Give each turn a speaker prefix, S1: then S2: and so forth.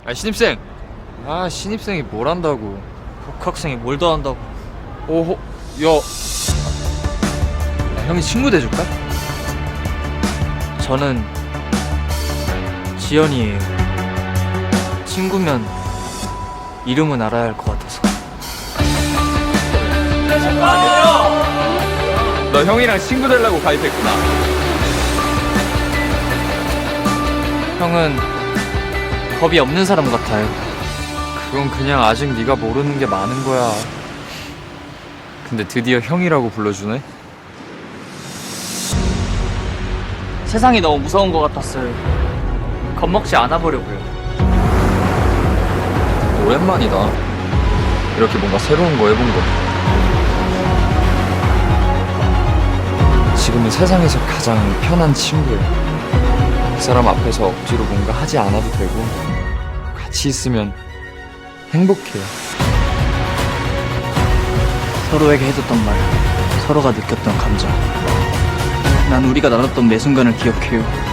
S1: 아 신입생. 아 신입생이 뭘 한다고.
S2: 복학생이 뭘 더 한다고.
S1: 오호 야. 야, 형이 친구 돼줄까?
S2: 저는 지연이에요. 친구면 이름은 알아야 할 것 같아서.
S1: 너 형이랑 친구 되려고 가입했구나.
S2: 형은 겁이 없는 사람 같아요.
S1: 그건 그냥 아직 네가 모르는 게 많은 거야. 근데 드디어 형이라고 불러주네?
S2: 세상이 너무 무서운 것 같았어요. 겁먹지 않아 보려고요.
S1: 오랜만이다. 이렇게 뭔가 새로운 거 해본 거. 지금은 세상에서 가장 편한 친구야. 그 사람 앞에서 억지로 뭔가 하지 않아도 되고 같이 있으면 행복해요.
S2: 서로에게 해줬던 말, 서로가 느꼈던 감정. 난 우리가 나눴던 매 순간을 기억해요.